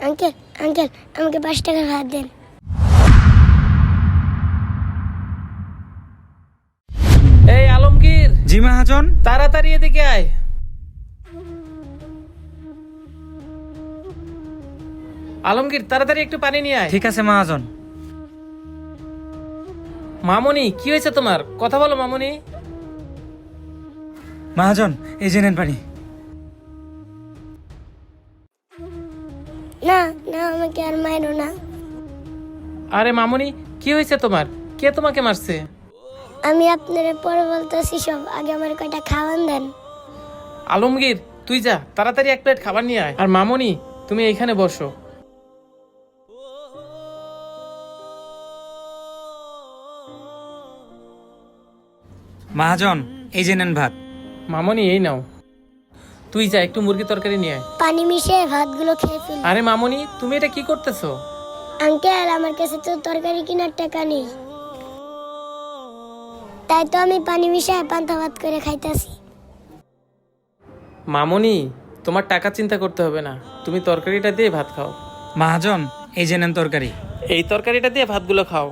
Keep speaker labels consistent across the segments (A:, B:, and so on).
A: Uncle uncle আমাকে 5 টাকার ভাত দেন।
B: এই আলমগীর,
C: জি মহাজন।
B: তাড়াতাড়ি এদিকে আয়। আলমগীর, তাড়াতাড়ি একটু পানি নিয়ে আয়।
C: ঠিক আছে মহাজন।
B: মামুনি, কি হয়েছে তোমার? কথা বলো মামুনি।
C: মহাজন, এই যে নেন পানি।
A: না না, আমাকে আর মারো না।
B: আরে মামুনি, কি হয়েছে তোমার? কে তোমাকে মারছে?
A: আমি আপনারে পরে বলতেছি সব, আগে আমার কয়টা খাওয়ান দেন।
B: আলমগীর, তুই যা, তাড়াতাড়ি 1 প্লেট খাবার নিয়ে আয়। আর মামুনি, তুমি এইখানে বসো।
C: মহাজন, এই যে নেন ভাত।
B: মামুনি, এই নাও। তুই যা, একটু মুরগি তরকারি নিয়ে আয়।
A: পানি মিশিয়ে ভাতগুলো খেয়ে ফেলি।
B: আরে মামুনি, তুমি এটা কি করতেছো?
A: আঙ্কেল, আমার কাছে তো তরকারি কেনার টাকা নেই, তাই তো আমি পানি মিশিয়ে পান্তা ভাত করে খাইতেছি।
B: মামুনি, তোমার টাকা চিন্তা করতে হবে না, তুমি তরকারিটা দিয়ে ভাত খাও।
C: মহাজন, এই যে নেন তরকারি।
B: এই তরকারিটা দিয়ে ভাতগুলো খাও।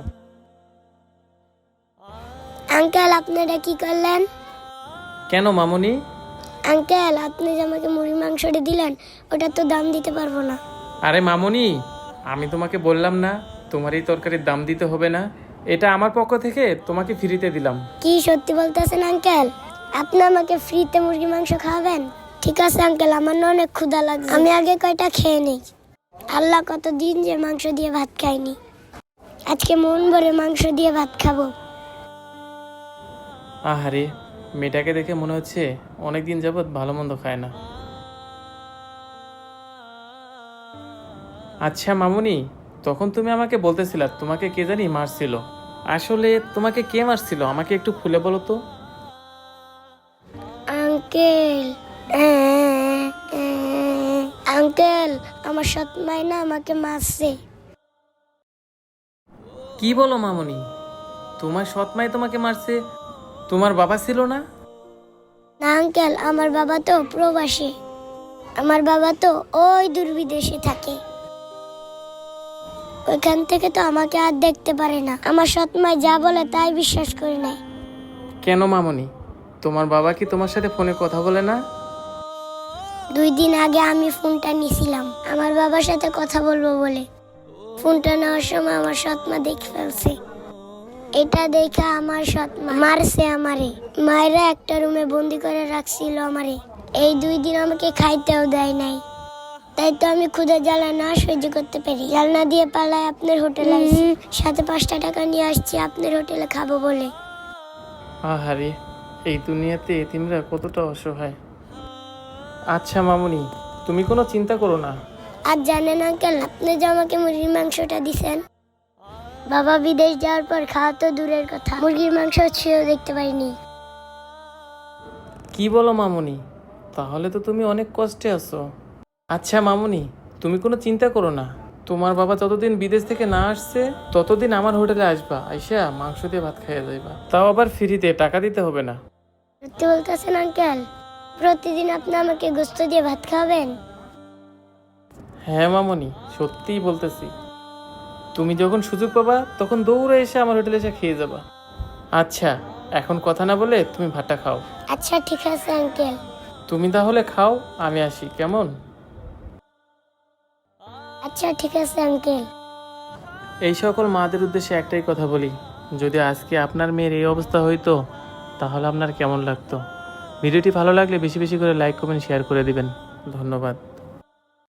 A: আঙ্কেল, আপনারা কি করলেন?
B: কেন মামুনি?
A: আঙ্কেল, আপনি যে আমাকে মুরগির মাংসটা দিলেন, ওটা তো দাম দিতে পারবো না।
B: আরে মামুনি, আমি তোমাকে বললাম না তোমার এই তরকারির দাম দিতে হবে না? এটা আমার পক্ষ থেকে তোমাকে ফ্রিতে দিলাম।
A: কি সত্যি বলতেছেন আঙ্কেল? আপনি আমাকে ফ্রিতে মুরগির মাংস খাওয়াবেন? ঠিক আছে আঙ্কেল, আমার না অনেক ক্ষুধা লাগছে, আমি আগে কয়টা খেয়ে নেই। আল্লাহ, কতদিন যে মাংস দিয়ে ভাত খাইনি, আজকে মন ভরে মাংস দিয়ে ভাত খাবো।
B: আহারে, মেয়েটাকে দেখে মনে হচ্ছে অনেকদিন যাবৎ ভালো মন্দ খায় না। আচ্ছা মামুনি, তখন তুমি আমাকে বলতেছিলা তোমাকে কে জানি মারছিল। আসলে তোমাকে কে মারছিল আমাকে একটু খুলে বলো তো।
A: আঙ্কেল, আঙ্কেল, আমার সৎ মাই না আমাকে মারছে।
B: কি বলো মামুনি? তোমার সৎ মাই তোমাকে মারছে? তোমার বাবা ছিল না?
A: না আঙ্কেল, আমার বাবা তো প্রবাসী, আমার বাবা তো ওই দূর বিদেশে থাকে, ওইখান থেকে তো আমাকে আর দেখতে পারে না। আমার সৎ মাই যা বলে তাই বিশ্বাস করি নাই।
B: কেন মামুনি, তোমার বাবা কি তোমার সাথে ফোনে কথা বলে না?
A: 2 দিন আগে আমি ফোনটা নিয়েছিলাম আমার বাবার সাথে কথা বলবো বলে। ফোনটা নেওয়ার সময় আমার সৎ মা দেখে ফেলছে। এটা দেখে আমার সৎ মা মারছে আমারে, মায়েরা একটা রুমে বন্দি করে রাখছিল আমারে। এই 2 দিন আমাকে খাইতেও দেয় নাই, তাই তো আমি ক্ষুধা জ্বালা না সহ্য করতে পারি জালনা দিয়ে পালায় আপনার হোটেলে আসছি, সাথে 5টা টাকা নিয়ে আসছি আপনার হোটেলে খাবো বলে।
B: আহারে, এই দুনিয়াতে এতিমরা কতটা অসহায়। আচ্ছা মামুনি, তুমি কোনো চিন্তা করো না।
A: আর জানেন আঙ্কেল, আপনি যে আমাকে মুরগির মাংসটা দিছেন, বাবা বিদেশ যাওয়ার পর খাওয়া তো দূরের কথা, মুরগির মাংস ছুঁয়েও দেখতে পারিনি।
B: কি বলো মামুনি? তাহলে তো তুমি অনেক কষ্টে আছো। আচ্ছা মামুনি, তুমি কোনো চিন্তা করো না। তোমার বাবা যতদিন বিদেশ থেকে না আসছে ততদিন আমার হোটেলে আসবা, আইসা মাংস দিয়ে ভাত খাইয়া যাইবা, তাও আবার ফ্রিতে, টাকা দিতে হবে না।
A: সত্যি বলতেছেন আঙ্কেল? প্রতিদিন আপনি আমাকে গোস্ত দিয়ে ভাত খাওয়াবেন?
B: হ্যাঁ মামুনি, সত্যিই বলতেছি। তুমি যখন সুযোগ পাবা তখন দৌড়ে এসে আমার হোটেলে এসে খেয়ে যাবা। আচ্ছা, এখন কথা না বলে তুমি ভাতটা খাও।
A: আচ্ছা ঠিক আছে আঙ্কেল।
B: তুমি তাহলে খাও, আমি আসি, কেমন?
A: আচ্ছা ঠিক আছে আঙ্কেল।
B: এই সকল মাদের উদ্দেশ্যে একটাই কথা বলি, যদি আজকে আপনার মেয়ের এই অবস্থা হইতো তাহলে আপনার কেমন লাগতো? ভিডিওটি ভালো লাগলে বেশি বেশি করে লাইক কমেন্ট শেয়ার করে দিবেন। ধন্যবাদ।